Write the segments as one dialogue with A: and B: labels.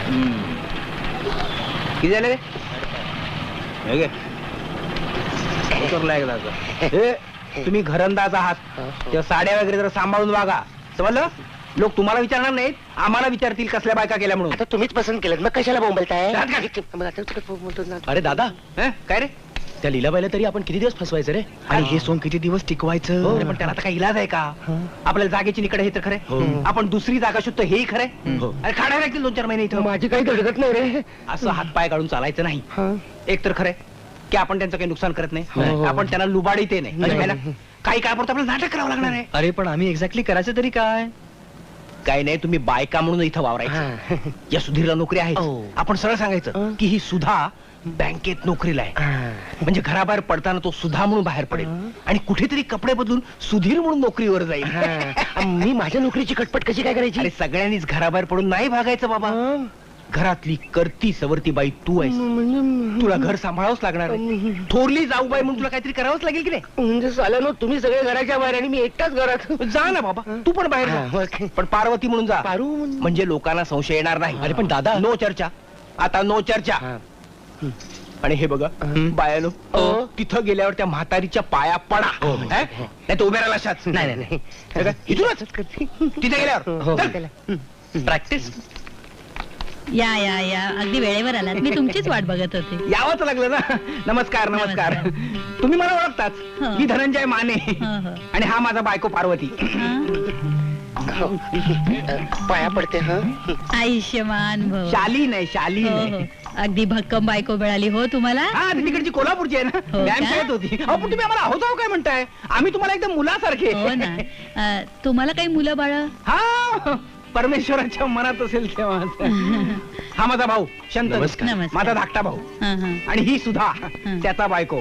A: किती झाले रे? तुम्ही घरंदाज आहात, तेव्हा साड्या वगैरे जरा सांभाळून वागा, समजलं? लोक तुम्हाला विचारणार नाहीत, आम्हाला विचारतील कसल्या बायका केल्या म्हणून.
B: आता तुम्हीच पसंत केलं, मग कशाला बोंबलताय?
C: अरे दादा,
A: काय रे?
C: त्या लीलाबाईला तरी आपण किती दिवस फसवायचं रे? आणि हे सोंग किती दिवस टिकवायचं?
A: अरे पण त्याला आता काही इलाज आहे का? आपल्याला जागेची निकड हे तर खरंय, आपण दुसरी जागा शोधतो हेही खरंय. अरे खाणार लागतील 2-4 महिने इथं.
B: माझी काही धडकत नाही रे.
A: असं हातपाय काढून चालायचं नाही. एक तर खरंय की आपण त्यांचं काही नुकसान करत नाही, आपण त्यांना लुबाडीत नाही. काही काळापुरतं आपल्याला नाटक करावं लागणार आहे.
C: अरे पण आम्ही एक्झॅक्टली करायचं तरी काय?
A: काही नाही, तुम्ही बायका म्हणून इथं वावरायचं. या सुधीरला नोकरी आहे, आपण सरळ सांगायचं की ही सुधा बँकेत नोकरीला आहे. म्हणजे घराबाहेर पडताना तो सुधा म्हणून बाहेर पडेल आणि कुठेतरी कपडे बदलून सुधीर म्हणून नोकरीवर जाईल.
B: मी माझ्या नोकरीची कटपट कशी काय करायची?
A: अरे सगळ्यांनीच घराबाहेर पडून नाही भागायचं बाबा. घरातली करती सवरती बाई तू आहेस, तुला घर सांभाळावंच लागणार आहे. थोरली जाऊ बाई म्हणून तुला काहीतरी करावंच लागेल की नाही?
B: म्हणजे साल्यानो तुम्ही सगळे घराच्या बाहेर आणि मी एकटाच घरात.
A: जा ना बाबा, तू पण बाहेर जा. पण पार्वती म्हणून जा,
B: पारू
A: म्हणजे लोकांना संशय येणार नाही.
C: अरे पण दादा,
A: नो चर्चा, आता नो चर्चा. आणि हे बघा बायानो, तिथं गेल्यावर त्या म्हातारीच्या पाया पडा, नाही तर उभ्या राहिला अशाच.
B: नाही
A: इथूनच तिथे गेल्यावर
C: प्रॅक्टिस.
D: या या या, अगदी वेळेवर आलात. मी तुमचीच वाट बघत होते.
A: यावंच लागलं ना. नमस्कार नमस्कार. तुम्ही मला ओळखताच, मी धनंजय माने आणि हा माझा बायको पार्वती.
B: पाया पडते.
D: आयुष्यमान भव.
A: शाली नाही, शाली
D: हो, हो.
A: नाही.
D: अगदी भक्कम बायको मिळाली हो तुम्हाला.
A: हा, ती तिकडची कोल्हापूरची आहे ना,
D: हो
A: मॅम
D: का?
A: शाळेत होती. अहो पण तुम्ही आम्हाला आहोत आहो काय म्हणताय? आम्ही तुम्हाला एकदम मुलासारखे.
D: हो ना. तुम्हाला काही मुलं बाळ?
A: हा, परमेश्वराच्या मनात असेल तेव्हा. हा माझा भाऊ शंतनू,
D: नमस्कार.
A: माझा धाकटा भाऊ. आणि ही सुद्धा त्याचा बायको.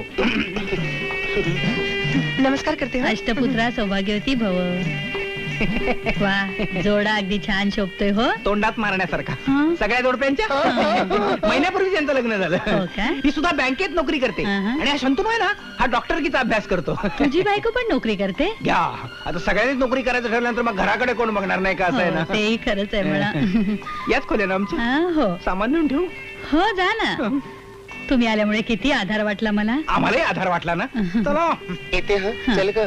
B: नमस्कार करते.
D: अष्टपुत्रा सौभाग्यवती भव. वा, जोडा अगदी छान शोभतोय हो.
A: तोंडात मारण्यासारखा.
D: हं.
A: सगळ्या जोडप्यांच्या महिन्यापूर्वी त्यांचं लग्न झालं.
D: हो का?
A: ही सुद्धा बँकेत नोकरी करते. आणि हा शंतनू आहे ना, हा डॉक्टरकीचा अभ्यास करतो.
D: तुझी बायको पण नोकरी करते?
A: घ्या, आता सगळ्यांनीच नोकरी करायचं ठरल्यानंतर मग घराकडे कोण बघणार नाही का? असं आहे
D: हो,
A: ना.
D: तेही खरंच आहे म्हणा.
A: याच खोल्या ना आमच्या.
D: हो
A: सामान नेऊन ठेवू.
D: हो, जा ना. तुम्ही आल्यामुळे किती आधार वाटला मला.
A: आम्हालाही आधार वाटला ना. चला
B: येते. चल ग.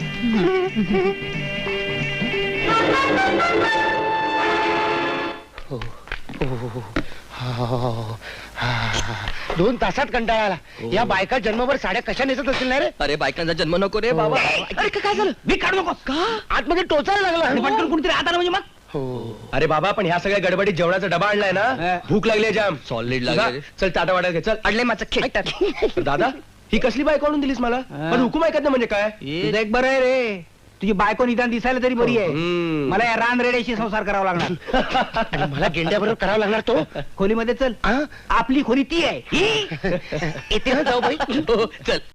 B: दोन तासात कंटाळा आला. या बायका जन्मभर साड्या कशा नेसत असतील ना रे?
C: अरे बायकांचा जन्म नको रे बाबा.
A: अरे काय झालं? मी काढू नकोस का?
B: आतमध्ये टोचायला
A: आणि
B: लागला.
A: पटकन कुणीतरी आत आलं म्हणजे मग.
C: अरे बाबा, पण ह्या सगळ्या गडबडीत जेवणाचा डबा आणलाय ना, भूक लागली जाम. सॉलिड लागले. चल टाटा वाटा घे. चल
A: अडले माझं खेट.
C: दादा, ही कसली बायको आणून दिलीस मला? पण हुकूम ऐकत ना म्हणजे काय?
A: तुझं एक बरं आहे रे, तुझी बायको निदान दिसायला तरी बरी आहे. मला या रान रेड्याशी संसार करावा लागणार.
B: आणि मला गेंड्याबरोबर करावा लागणार तो.
A: खोलीमध्ये चल, आपली खोली ती आहे.
B: येते जाऊ बाई.
C: चल.